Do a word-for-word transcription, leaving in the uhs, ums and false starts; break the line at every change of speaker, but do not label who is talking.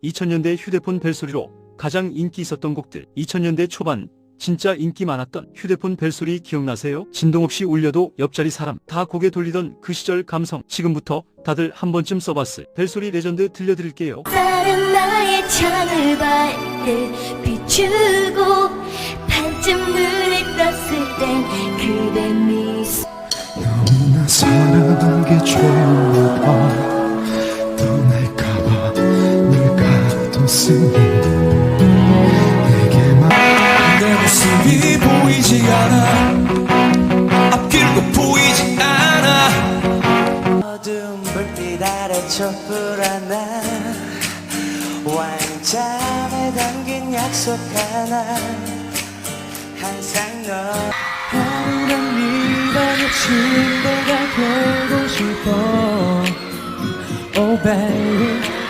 이천 년대 휴대폰 벨소리로 가장 인기 있었던 곡들. 이천 년대 초반 진짜 인기 많았던 휴대폰 벨소리 기억나세요? 진동 없이 울려도 옆자리 사람 다 고개 돌리던 그 시절 감성. 지금부터 다들 한 번쯤 써봤을 벨소리 레전드 들려드릴게요.
다른 나의 창을 밝게 비추고 반쯤 눈을 떴을 땐 그대 미소.
너무나 사랑한 게 좋아 떠날까봐 늘 가뒀으니 내게만 내 모습이 보이지 않아 앞길도 보이지 않아
어두운 불빛 아래 촛불 하나 와인잔에 담긴 약속 하나 항상 너
아무런 미련의 침대가 되고 싶어 Oh baby